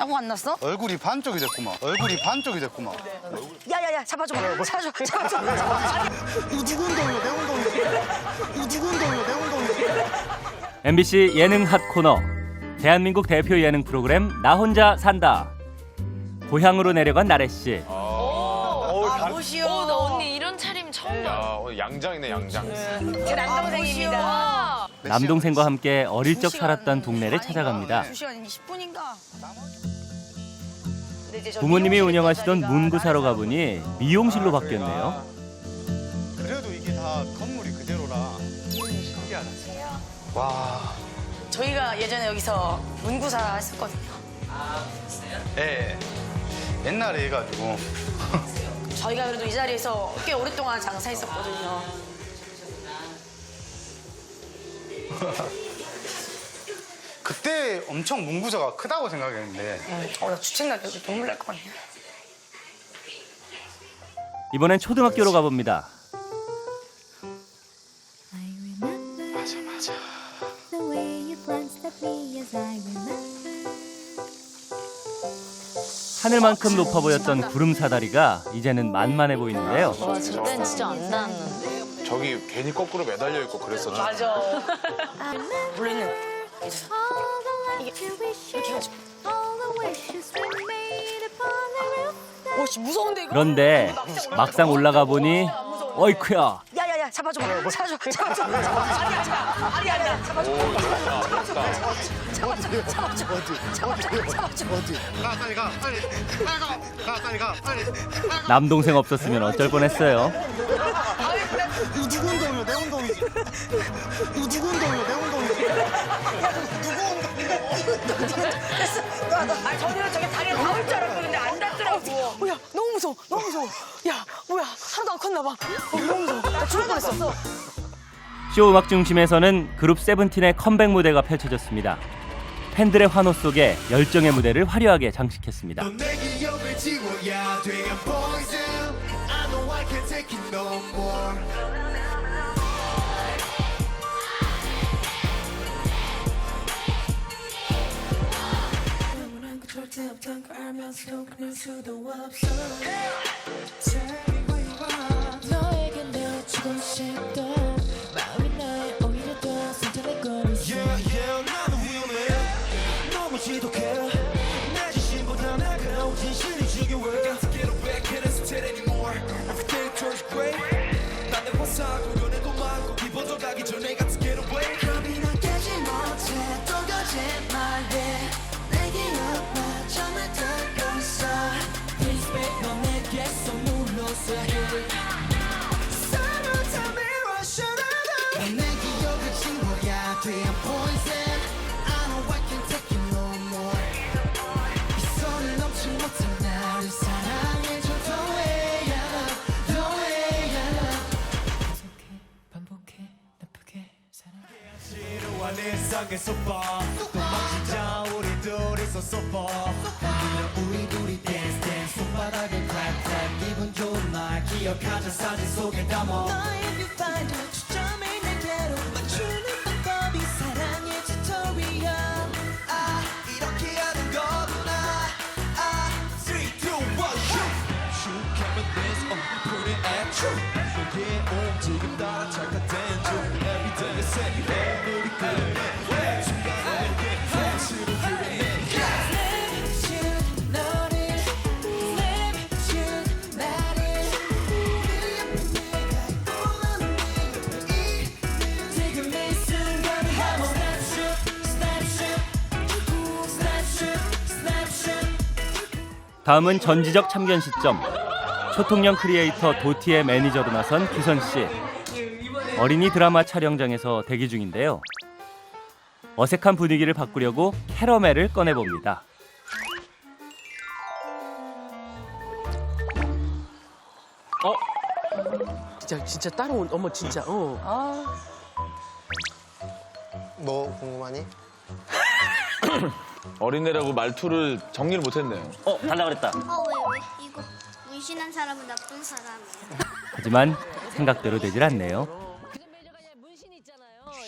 사고 안 났어? 얼굴이 반쪽이 됐구만. 얼굴이 반쪽이 됐구만. 야야야 잡아줘. 잡아줘. 이거 누구 운동이야? 내 운동이야. 이거 누구 운동이야? 내 운동이야. MBC 예능 핫 코너 대한민국 대표 예능 프로그램 나 혼자 산다. 고향으로 내려간 나래 씨. 무시오. 나 언니 이런 차림 처음 봐. 오늘 양장이네, 양장. 제 남동생입니다. 남동생과 함께 어릴 적 살았던 동네를 찾아갑니다. 2시간 20분인가? 부모님이 운영하시던 문구사로 가보니 미용실로 바뀌었네요. 그래도 이게 다 건물이 그대로라. 신기하다. 와. 저희가 예전에 여기서 문구사 했었거든요. 예. 옛날에 해가지고. 저희가 그래도 이 자리에서 꽤 오랫동안 장사했었거든요. 그때 엄청 문구사가 크다고 생각했는데. 나 주책나게 여기 눈물 날 것 같네. 이번엔 초등학교로 가봅니다. 맞아. 하늘만큼 높아 보였던 구름 사다리가 이제는 만만해 보이는데요. 와, 저땐 진짜 안 나왔는데. 저기 괜히 거꾸로 매달려 있고 그랬었죠. 맞아. 원래는 이게 이렇게 해가지고. 오씨 무서운데 이거. 그런데 막상 올라가 보니 어이쿠야. 야야야 잡아줘. 잡아줘. 아니야. 잡아줘. 가, 빨리 가. 빨리. 남동생 없었으면 어쩔 뻔했어요. 이거 누구 운동이야? 내 운동이지. 이거 누구 운동이야? 내 운동이지. 아 저는 저게 다리에 닿을 줄 알았거든요. 안 닿더라고. 야 너무 무서워. 야 뭐야 하나도 안 컸나 봐. 너무 무서워. 나 죽을 뻔했어. 쇼 음악 중심에서는 그룹 세븐틴의 컴백 무대가 펼쳐졌습니다. 팬들의 환호 속에 열정의 무대를 화려하게 장식했습니다. 내 기억을 지워야 돼 I'm poison I know I can't take it no more 영원한 그 절대 없던 걸 알면서도 그럴 수도 없어 Tell me where you are 너에게 내주고 싶던 마음이 나의 오히려 더 선택거리지 Yeah 나는 위험해 너무 지독해 내 자신보다 날카로운 진실이 지겨워 Can't get away, can't hesitate anymore Everything turns gray 난내 화사고 연애도 많고 기분도 가기 전에 got to get away 겁이 나 깨지 못해 또 거짓말해 내 기억만 정말 듣고 있어 Please babe 넌 내게 선물로서 해 서로 tell me what should I do 내 기억을 지워야 돼 I'm poison I know I can't take it no more 이 손을 넘지 못해 나를 사랑해줘 The way I love The way I love 반복해 나쁘게 사랑해 지루한 일상에서 봐 도망치자 우리 둘이서 so far 우리 둘이 dance dance 손바닥에 clap clap 기분 좋은 날 기억하자 사진 속에 담아 너의 뷰파이터 초점을 내게로 맞추는 방법이 사랑의 튜토리얼 아 이렇게 하는 거구나 아 3, 2, 1 shoot shoot camera dance put it at you 너의 움직임 따라 착각된 중 every day I say hey 우리 그래 다음은 전지적 참견 시점. 초통령 크리에이터 도티의 매니저로 나선 규선 씨. 어린이 드라마 촬영장에서 대기 중인데요. 어색한 분위기를 바꾸려고 캐러멜을 꺼내봅니다. 진짜 따로 어머 진짜 뭐 궁금하니? 어린애라고 말투를 정리를 못했네요. 달라 그랬다. 왜? 이거 문신한 사람은 나쁜 사람이야. 하지만 생각대로 되질 않네요.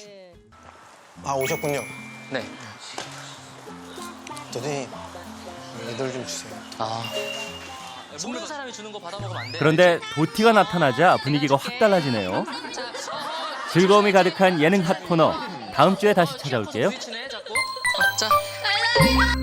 아 오셨군요. 네. 선생님 애들 좀 주세요. 모르는 사람이 주는 거 받아 먹으면 안 돼. 그런데 도티가 나타나자 분위기가 확 달라지네요. 즐거움이 가득한 예능 핫 코너. 다음 주에 다시 찾아올게요. 스위치네 자꾸. 자.